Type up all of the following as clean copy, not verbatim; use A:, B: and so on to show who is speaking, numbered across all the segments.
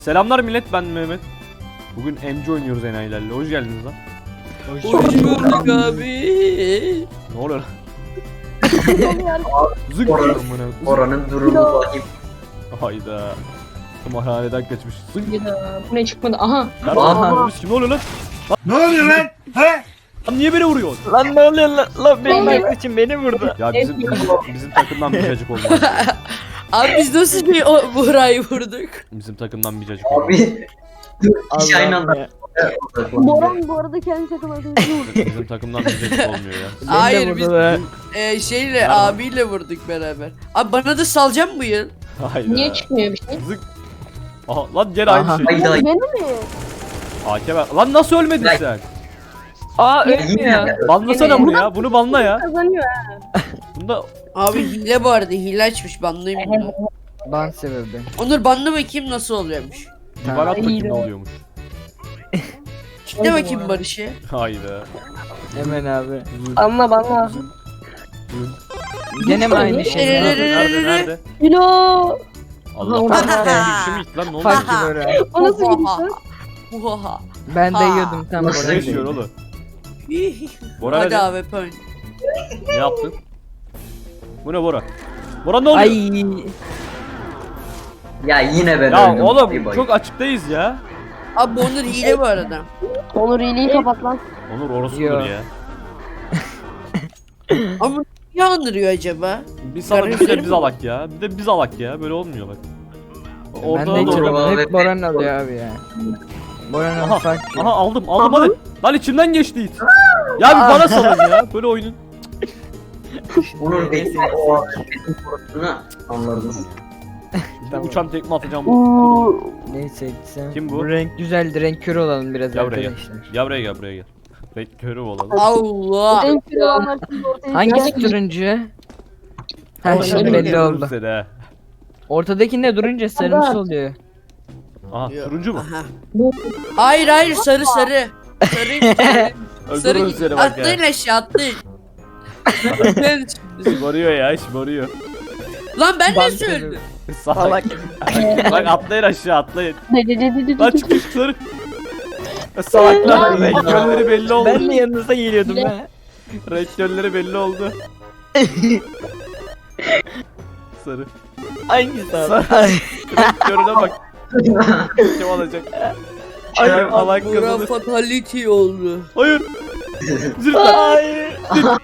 A: Selamlar millet, ben Mehmet. Bugün MC oynuyoruz enayilerle. Hoş geldiniz lan.
B: Hoş bulduk abi.
A: Ne oluyor lan? Zık
C: Oranın-
A: diyorum buna.
C: Oranın durumu vahim.
A: Hayda. Tımarhaneden kaçmış. Zık.
D: Bu ne çıkmadı? Aha.
A: Aha. Kim ne oluyor lan?
E: Ne oluyor lan? He?
A: Lan niye beni vuruyorsun?
B: Lan ne oluyor lan? Lan benim arkadaşım beni vurdu.
A: Ya bizim takımdan bir cacık olmaz.
B: Abi biz nasıl bir Buğra'yı vurduk?
A: Bizim takımdan bir cacık olmaz.
C: Abi. Dört kişi aynı anda.
D: Boran bu arada kendi takım arkadaşını vurdu.
A: Bizim takımdan bir cacık olmuyor ya.
B: Hayır biz şeyle abiyle vurduk beraber. Abi bana da salacağım bu yıl.
A: Hayda.
D: Niye çıkmıyor bir şey?
A: Zık. Aha lan gene aynı şey.
C: Hayda.
D: Beni mi?
A: AK ver. Lan nasıl ölmedin
C: Lan-
A: sen?
B: Aa
C: Yine.
A: Banlasana bunu ya. Bunu banla ya.
D: Kazanıyor.
A: Bunda
B: Abi hile bu arada, hile açmış, banlayayım bunu.
F: Ban sebebi.
B: Onur banla bakayım nasıl oluyormuş.
A: bir bana at bakayım
D: iyi
A: ne
D: de.
A: oluyormuş.
B: Kitle bakayım Barış'ı.
A: Hayda.
F: Hemen abi.
D: Anla bana.
F: Gene mi aynı şey?
A: Nerede?
D: Kilo.
A: Allah
D: Aha,
A: Allah. Kim gitti lan ne oldu?
F: Fark gibi öyle.
D: O nasıl bir şey?
B: Oha.
F: Ben de yiyordum tam
C: Nasıl
A: Ne
F: oraya.
A: yaşıyor oğlum? Bora
B: Hadi
A: hadi.
B: abi point.
A: Ne yaptın? Bu ne Bora? Bora ne oluyor?
F: Ay.
C: Ya yine ben
A: Ya
C: öldüm.
A: oğlum çok açıktayız ya.
B: Abi bu Onur hile bu arada.
D: Onur iyiliği kapat lan.
A: Onur orası
F: Yo.
A: ya.
B: Ama niye andırıyor acaba?
A: Bir sana bir de biz alak ya. Bir de biz alak ya. Böyle olmuyor bak.
F: Ben
A: Orada
F: de
A: da
C: içiyorum.
A: orada.
F: içiyorum. Hep Boran alıyor abi ya. Boran
A: Aha,
F: ufak.
A: aha aldım hadi. Lan içimden geçti it. Ya bir bana salın ya. Böyle oyunun.
C: Onur benim o benim korkusunu anladınız.
F: Tamam.
A: Uçan tekme atacağım.
F: Neyse gitsem.
A: Kim bu?
F: Bu renk güzeldi. Renk kör olalım biraz
A: Gel buraya gel.
F: arkadaşlar.
A: Gel buraya gel buraya gel. Bekliyorum körü olalım.
B: Allah.
D: En kilo olanlar şimdi ortaya
F: Hangisi
D: çıkacak.
F: turuncu? Ha
D: Ortada
F: şimdi
D: bir
F: belli oldu.
A: Seni, he.
F: Ortadakinde durunca sarımsı oluyor.
A: Aha turuncu mu?
B: Aha. Hayır sarı. Sarı.
A: Öldürürüm seni bak
B: Atlayın
A: ya.
B: aşağı atlayın. Ben-
A: Şımarıyor ya şımarıyor.
B: Lan ben
F: Ban
B: de söyledim.
A: Salak. Bak atlayın aşağı atlayın.
D: Dedi.
A: Lan çık çık. Salaklar rektörleri belli oldu.
F: Ben de yanınıza geliyordum ha.
A: Rektörleri belli oldu. Sarı.
F: Hangisi abi?
A: Sarı. Rektörüne bak. Kim alacak? Hayır alan
B: Bura
A: kazanır.
B: fatality oldu.
A: Hayır. Zırhla.
F: Hayır.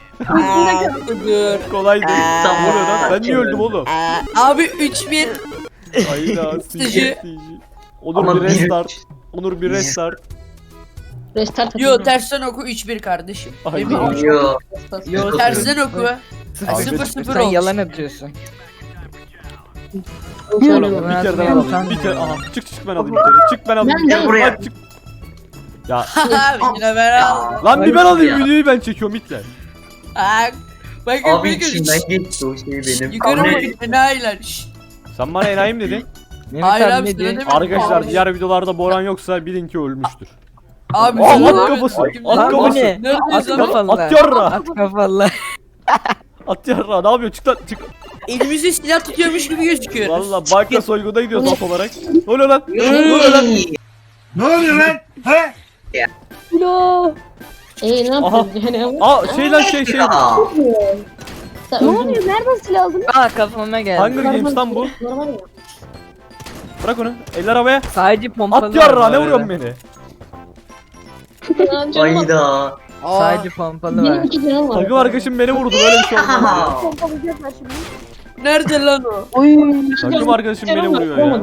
B: Dur.
A: Kolay değil.
C: Tamam.
A: Ne oluyor lan? Ben niye öldüm oğlum?
B: Abi 3-1.
A: Hayda.
B: Sıcı.
A: Onur
C: Ama
A: bir
C: bir-
A: restart. Onur bir restart.
D: Restart atın.
B: Yo tersten oku 3-1 kardeşim.
A: Ay,
B: Emin ol.
C: Yo.
F: Yo,
B: Tersten oku.
A: Abi,
B: 0-0
F: Sen
B: olmuş.
F: yalan atıyorsun.
A: Oğlum bir
F: Ben
A: kere ben
F: atmayayım,
A: alayım.
F: sen
A: Bir kere
F: de.
A: aha çık ben alayım bir kere. Çık ben alayım.
D: Ben de
A: Çık,
C: buraya.
A: hadi çık. Ya
B: Abi yine ben al.
A: lan bir ben alayım
C: Ya.
A: videoyu ben çekiyorum itler.
B: Bakın
C: Abi
B: bakın.
C: içimden geçti o şey benim.
B: Yukarı
C: Abi,
B: bakın enayiler. Şşt.
A: Sen bana enayi mi dedin?
F: Mehmet
B: Hayır
F: abi
B: abi,
F: ne
B: sana
F: diyor?
B: demedim.
A: Arkadaşlar
B: Abi.
A: diğer videolarda Boran yoksa bilin ki ölmüştür.
B: Abi
A: Aa,
B: sana
A: at
B: demedim.
A: kafası,
B: Kimse-
A: at
F: Lan bu
A: kafası.
F: ne?
B: Neredeyiz
F: At
B: abi?
F: kafalı.
A: At yarra.
F: At kafalı.
A: At yarra ne yapıyor çık lan çık.
B: Elimizde silah tutuyormuş gibi gözüküyor.
A: Valla banka soyguna gidiyoruz at olarak. Ne oluyor lan? Ne oluyor lan?
E: Ne oluyor lan? He?
D: Kilo. Ne
A: Aha.
D: yapıyorsun yani?
A: Aa şey lan şey.
C: Ya.
D: Ne oluyor? Nereden silah aldın?
F: Aa kafama geldi.
A: Hunger Games lan bu.
D: Normal ya.
A: Bırak onu. Eller havaya.
F: Sadece pompalı
A: At
F: var
A: yarra
F: bu
A: ne
F: arada.
A: vuruyorsun beni?
D: Canım bak.
C: Hayda.
B: Aa,
F: Sadece pompalı
D: Benim
F: var.
D: 2 canım var.
A: Takım arkadaşım beni vurdu böyle bir şey olmaz.
C: Aha.
D: Pompalayacaklar şimdi.
B: nerede lan o?
D: Oy.
A: Takım arkadaşım beni vuruyor ya.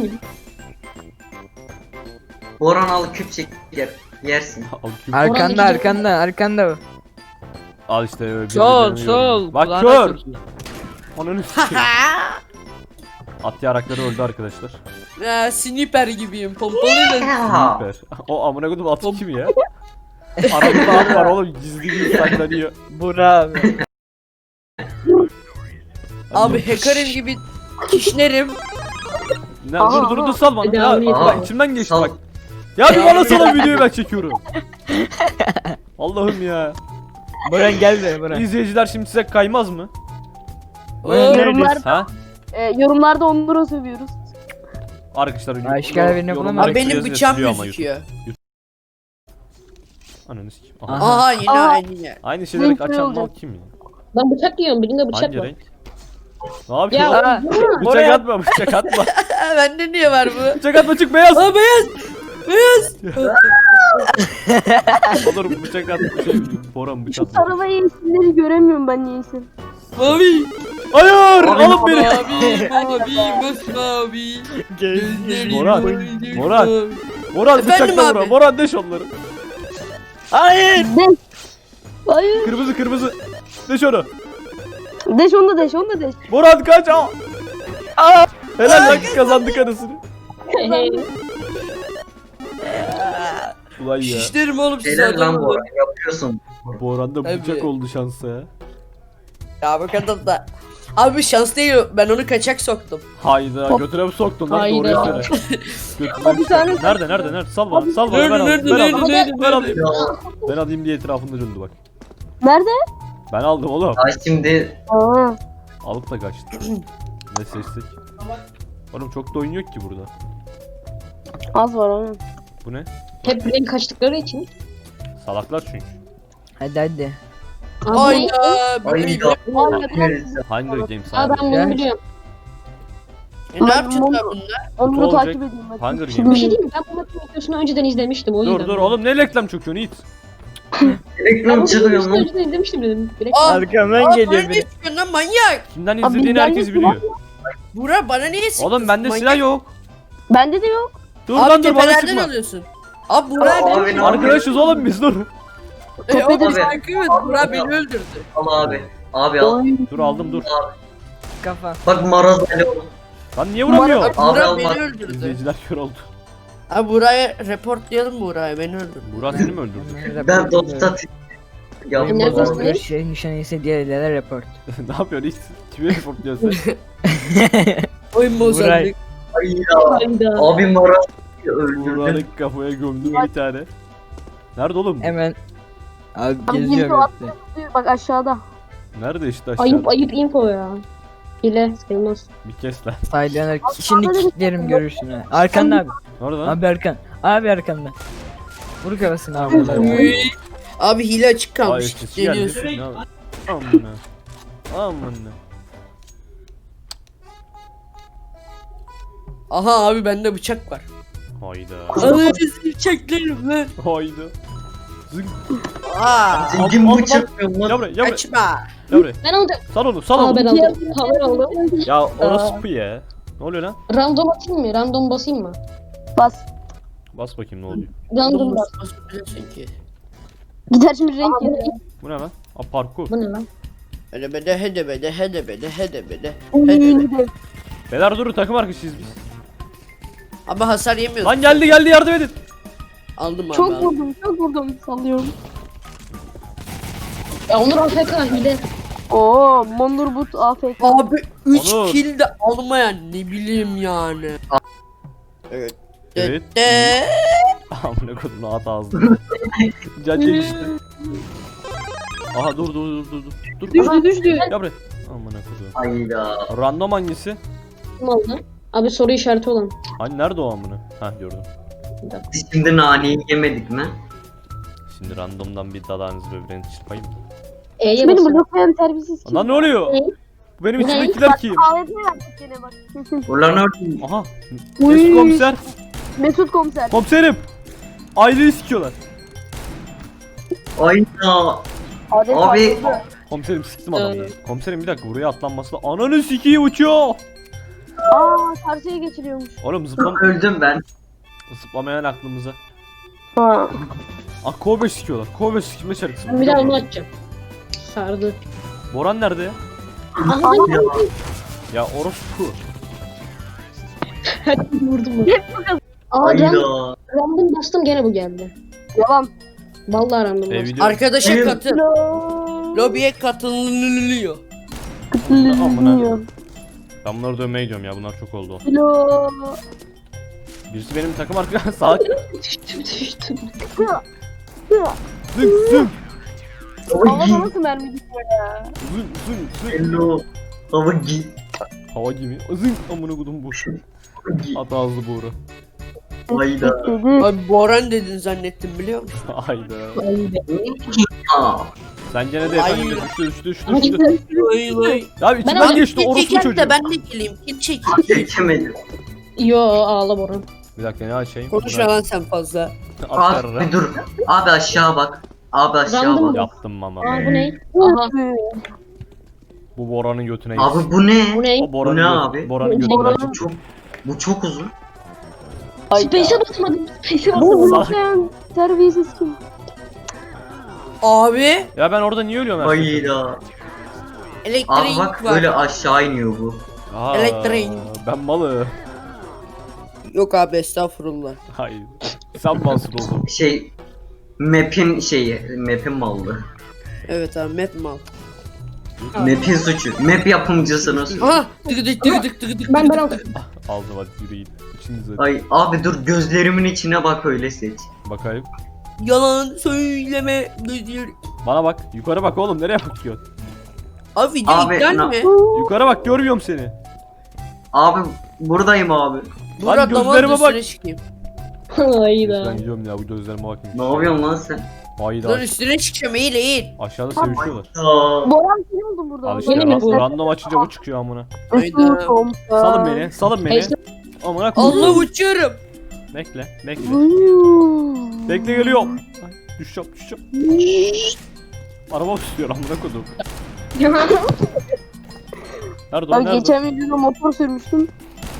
C: Boran al küp çek yersin.
F: Arkanda.
A: Al işte öyle.
F: Sol.
A: Bak
F: Kulağına
A: kör.
F: sok.
A: Ananı sikeyim. At yarakları öldü arkadaşlar.
B: Sniper gibiyim. Pompalıyla.
C: Ya.
A: Süper. O amına koydum atı kim ya? Aramızda at var oğlum gizli gizli saklanıyor.
F: Bura abi.
B: Abi hacker'im gibi kişnerim.
A: Ne, dur sal bana.
D: Devam
A: Ya,
D: et.
A: bak içimden geçti
C: Sal.
A: bak. Ya bir bana salın videoyu ben çekiyorum. Allah'ım ya.
F: Buran gel be Buran.
A: İzleyiciler şimdi size kaymaz mı?
F: Buran
D: Yorumlar,
A: Ha?
D: yorumlarda Onur'a sövüyoruz.
A: Arkadaşlar
F: Başka birini bulamam.
B: Abi benim bıçağım gözüküyor.
A: Ananı sikeyim.
F: Aha.
A: Aha.
B: Aha yine
D: Aa.
B: aynı yer.
A: Aynı şeyleri
D: Renk
A: açan
D: oldu.
A: mal kim ya?
D: Ben bıçak yiyorum. Birinde bıçak
A: Hangi
D: var.
A: renk? Ne yapıyorsun?
D: Ya
F: Aa,
A: Bıçak
F: oraya-
A: atma, bıçak atma.
B: Bende niye var bu?
A: Bıçak atma, çık beyaz.
B: Aa beyaz. Beyaz.
A: Olur bıçak atma. Şey, Boran bıçak
D: şu
A: atma.
D: sarı ve yeşilleri göremiyorum ben niyeyse.
B: Mavi.
A: Hayır,
C: Abi,
A: alın beni.
B: Mavi. Masmavi. Gözlerim
A: Boran,
B: boyunca
A: Boran.
B: mavi.
A: Boran
B: Efendim
A: bıçakla
B: abi?
A: vura. Boran deş onları.
F: Hayır.
D: Deş. Hayır.
A: Kırmızı kırmızı. Deş onu.
D: Deş onu da deş onu da deş.
A: Boran kaç. Aa. Helal lan kazandık anasını. Ulan ya.
B: Şişlerim oğlum size
C: Helal lan
B: adam
C: Boran yapıyorsun.
A: Boran'da
B: Tabii.
A: bıçak oldu şansa ya.
B: Ya bu kadar da. Abi şans değil ben onu kaçak soktum.
A: Hayda götüre mi soktun lan
D: Hayda.
A: doğruyu söyle. Götüre mi
D: Bir tane-
A: soktun? Nerede? Sal bana sal bana
B: Nerede,
A: ben alayım.
B: nerede,
A: Ben
B: nerede,
A: alayım.
B: nerede,
A: Ben alayım.
C: Ya,
A: Ben alayım diye etrafında döndü bak.
D: Nerede?
A: Ben aldım oğlum.
C: ya şimdi
D: Aa.
A: Alıp da kaçtı. Ne seçtik? Oğlum çok da oyun yok ki burada.
D: Az var onun.
A: Bu ne?
D: Hep renk kaçtıkları için.
A: Salaklar çünkü.
F: Hadi.
B: Hayda.
C: ayda.
A: Hunger Games
D: Aa
A: abi.
D: ben bunu biliyorum.
B: Ne yapacağız lan bunlar?
D: Onu
A: Kutu
D: takip
A: olacak.
D: edeyim hadi.
A: Hunger
D: Bir
A: Games.
D: şey diyeyim mi? Ben bu maçın videosunu önceden izlemiştim o yüzden.
A: Dur oğlum ne reklam çöküyorsun Yiğit?
D: Ben
C: Reklam
D: bu
C: çıkıyor
D: videosunu
C: lan.
D: önceden izlemiştim dedim. Direkt.
B: Aa,
F: Arkamdan
B: Aa,
F: geliyor
B: bana
F: biri.
B: ne çıkıyorsun lan manyak?
A: Kimden
D: Abi,
A: izlediğini
D: ben
A: herkes
D: de
A: biliyor.
B: Burak bana niye sıktın?
A: Oğlum bende
B: Manyak.
A: silah yok.
D: Bende de yok.
A: Dur
B: Abi
A: lan dur bana
B: tepelerden
A: sıkma.
B: alıyorsun. Abi Burak
C: Abi,
B: beni
C: ne
B: öldürdü.
A: Arkadaşız oğlum biz dur.
B: Oğlum
C: Abi.
B: takip et Burak beni öldürdü.
C: Al abi. Abi al.
A: Dur aldım dur.
F: Kafa.
C: Bak maraz Ali ol.
A: Lan niye vuramıyor?
B: Abi Burak
C: alma.
B: beni öldürdü.
A: İzleyiciler kör oldu.
B: Abi Burak'a reportlayalım Burak'ı beni öldürdü.
A: Burak seni mi öldürdü?
C: Ben dost atayım.
F: Benim
C: Yapma
F: babam
C: lan.
F: bir şey nişanıysa diğerlere report.
A: Ne yapıyorsun Yiğit? Kime reportluyorsun sen?
B: Oyun bozandık.
C: Ayda.
D: Hayda.
C: Abi maraz öldürdün.
A: Burak'ın kafaya gömdüm bir tane. Nerede oğlum bu?
F: Hemen. Abi
D: Abi
F: geziyor
D: gizli o
F: bekle.
D: Bak aşağıda.
A: Nerede işte aşağıda?
D: Ayıp info ya. Hile sayılmaz.
A: Bir kes lan.
F: Saylayarak şimdi kilitlerim görürsün ha. Arkanda abi.
A: Nerede lan?
F: Abi arkan. Abi arkanda. Vur kafasını abi.
B: Uy. Abi hile açık
A: Ay
B: kalmış.
A: etkisi geldi.
B: Geliyorsun.
A: Ne yapayım? Amına. Amına.
B: Aha abi bende bıçak var.
A: Hayda.
B: Alırız bıçaklarım lan.
A: Hayda. Zıng.
B: Aa.
C: Zengin
A: Al,
C: bıçak yapıyorum
A: Gel
C: lan.
A: buraya, gel buraya.
B: Kaçma.
A: Gel buraya.
D: Ben aldım.
A: Sal onu, sal
D: Aa ben
A: onu.
D: aldım. Kamera aldım.
A: Ya orası ya. Ne oluyor lan?
D: Random atayım mı? Random basayım mı? Bas.
A: Bas bakayım ne oluyor.
D: Random bas.
B: Çünkü.
D: Gider şimdi renk geliyor.
A: Bu ne lan? Aa parkur.
D: Bu ne lan?
B: Hedebede hedebede hedebede hedebede.
D: Uy.
A: Beyler durun takım arkadaşıyız biz.
B: Ama hasar yemiyoruz.
A: Lan geldi yardım edin.
B: Aldım abi
D: Çok
B: aldım.
D: vurdum. Sallıyorum. Ya Onur AFK hile. Oo, Mondurbut AFK.
B: Abi 3
A: Onur.
B: kill de almayan ne bileyim yani. Evet.
A: Evet.
B: De.
A: Amına kodum at ağzına. Can çekişti. Aha dur. Dur.
D: Düştü.
A: Gel buraya. Amına kodum.
C: Ayda.
A: Random hangisi?
D: Kim aldı? Abi soru işareti olan.
A: Hani nerede o amına? Hah gördüm.
C: Biz şimdi naneyi yemedik mi?
A: Şimdi randomdan bir dalağınızı böbreğinizi çırpayım mı?
D: E'ye
G: Benim
D: basın.
G: burada koyan terbiyesiz kim?
A: Lan ne oluyor?
D: Ne?
A: Bu benim
D: Ne?
A: içimdekiler kim?
G: AWP verdik gene bak.
C: Ulan ördüm.
A: Aha.
G: Uy.
A: Mesut komiser.
G: Mesut komiser.
A: Komiserim. Aileyi sikiyorlar.
C: Ayda.
G: AWP
C: Abi.
G: ayrıldı.
A: Komiserim siktim adamı. Komiserim bir dakika buraya atlanması da ananı sikiyi uçuyor.
G: Aa karşıya geçiriyormuş.
A: Oğlum
C: Öldüm ben.
A: zıplamayan aklımıza.
G: Ha.
A: Ah Kobe sikiyorlar. Kobe sikme şarkısı.
D: Ben bir daha onu açacağım. Sardı.
A: Boran nerede ya?
D: Aha
C: Ya.
A: Ya orospu.
D: vurdum mu? Aa
C: Ayda.
D: random bastım gene bu geldi.
G: Yalan.
D: Vallahi random bastım.
A: Video.
B: Arkadaşa
C: Evet.
B: katıl.
G: Lo.
B: Lobiye katılınıyor.
A: Amına. Ben bunları dövmeye gidiyorum ya bunlar çok oldu.
G: Lo.
A: Birisi benim takım arkadaşım salak.
D: Düştüm.
A: Zıng zıng.
G: Havada nasıl mermi gidiyor ya?
A: Zıng zıng zıng.
C: Hello. Hava gi.
A: Hava gibi. Zıng amına kodum bu. At ağızlı Buğra.
C: Hayda.
D: Dedi.
B: Abi Boran dedin zannettim biliyor musun?
A: Hayda.
C: Aa.
A: Sen gene de
B: Ay.
A: efendim düştü.
B: Vay vay.
A: Ya içinden geçti orospu
B: Çeken
A: çocuğu.
B: de ben de geleyim. Kim çekeyim?
C: Geçemedim.
G: Yo ağla Boran.
A: Bir dakika ne açayım?
B: Konuşma lan sen fazla.
A: At
C: Abi
A: yarra.
C: dur. Abi aşağı bak. Abi aşağı
G: Random
C: bak.
A: Yaptım ama.
G: Aa bu ne? Aha.
A: Bu Bora'nın götüne
C: Abi
A: gitsin.
C: bu ne?
G: Bu ne?
A: O Bora'nın
C: Bu ne
A: götü-
C: abi?
A: Bora'nın götüne
D: Bora'nın-
A: gitsin.
C: Çok bu çok uzun.
G: Space'e basmadım. Space'e
D: Bu
G: basmadım.
A: Salak.
D: sen terbiyesiz kim?
B: Abi
A: Ya ben orada niye ölüyorum her seferinde?
C: Hayda. Abi
B: elektrik
C: bak
B: var.
C: böyle aşağı iniyor bu.
A: Aa,
B: Elektrik.
A: Ben malı.
B: Yok abi estağfurullah.
A: Hayır. Sen malsın oğlum.
C: Şey map'in şeyi, map'in mallı.
B: Evet abi map mal.
C: Map'in suçu. Map yapımcısınız.
B: Aha tıkıdık tıkıdık tıkıdık.
G: Ben
B: tıkıdık,
G: aldım.
B: tıkıdık.
A: Aldım hadi yürüyün. İçinize.
C: Ay abi dur gözlerimin içine bak öyle seç.
A: Bakayım.
B: Yalan söyleme gözür.
A: Bana bak. Yukarı bak oğlum. Nereye bakıyorsun?
B: Abi video
C: Abi,
B: iptal mi?
A: Yukarı bak görmüyorum seni.
C: Abi buradayım abi.
B: Murat
A: gözlerime
B: damarın
A: bak.
B: üstüne çıkayım.
A: Ben
G: Hayda.
A: gidiyorum ya bu gözlerime bakayım.
C: Ne yapıyorsun lan sen?
A: Hayda.
B: Dur üstüne çıkacağım eğil eğil.
A: Aşağıda sevişiyorlar.
C: Aa,
D: Boran seni buldum burada.
A: Al işte
G: Yeni mi bu?
A: random açınca bu çıkıyor amına.
B: Hayda.
A: Salın beni. Salın beni. Amına koyayım.
B: Allah uçuyorum.
A: Bekle. Bekle.
D: Uyuu.
A: Bekle geliyorum. Ay, düşeceğim. Araba tutuyor amına koydum. Nerede o
D: Ben
A: nerede?
D: geçen videoda motor sürmüştüm.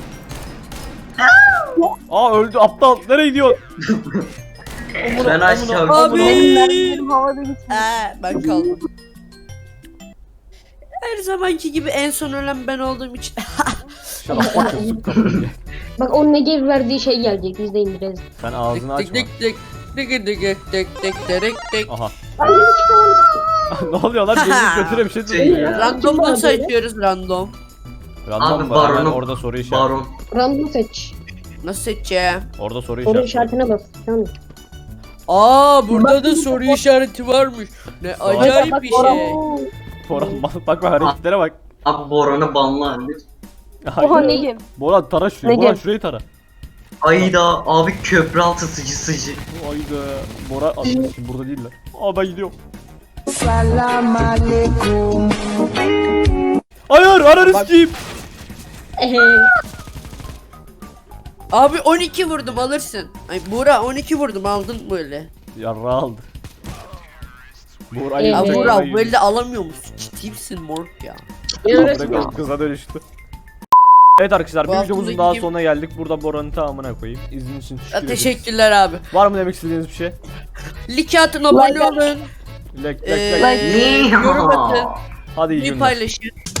A: Aa öldü aptal. Nereye gidiyor?
C: ben aşağı
B: Abi.
D: Benim havada gitsin.
B: Ben kaldım. Her zamanki gibi en son ölen ben olduğum için.
A: Şarap bakıyorsun kapıyı.
G: Bak o Negev verdiği şey gelecek. Biz de indireceğiz.
A: Sen ağzını açma.
B: Tık tık tık tık tık tık tık tık tık.
A: Aha. Ne oluyor lan? Benim götüre bir şey tutuyor ya.
B: Random nasıl açıyoruz random?
A: Random
C: Abi,
A: var. Hemen
C: baronu-
A: orada soru işareti.
C: Baron.
G: Random seç.
B: Nasıl seçeceğim?
A: Orada soru
G: Soru
A: işareti.
G: işaretine bas. Tamam.
B: Burada da soru işareti varmış. Ne acayip bir şey.
A: Boran bak hareketlere bak.
C: Abi Boran'ı banla.
D: Oha
A: Hayır.
D: ne gibi?
A: Boran tara şurayı.
D: Ne
A: Boran
D: gel?
A: şurayı tara.
C: Ayda abi köprü altı sıcı.
A: Hayda. Boran şimdi burada değiller. Aa ben gidiyorum. Hayır ananı sikeyim.
B: Abi 12 vurdum alırsın. Ay Buğra 12 vurdum aldın böyle.
A: Yarra aldı. Burayı
G: Evet.
B: Abi
G: Evet.
B: Buğra böyle alamıyor musun? Ciddi misin morg ya?
A: Kıza dönüştü. Evet arkadaşlar
B: Bu
A: bir
B: hafta
A: videomuzun
B: da
A: daha
B: gideyim.
A: sonuna geldik. Burada Boran'ın tamamına koyayım. İzin için
B: Ya,
A: teşekkür ederiz.
B: teşekkürler abi.
A: Var mı demek istediğiniz bir şey?
B: Like atın abone olun.
A: Like.
B: Yorum atın.
A: Hadi iyi
B: Bir
A: günler.
B: paylaşın.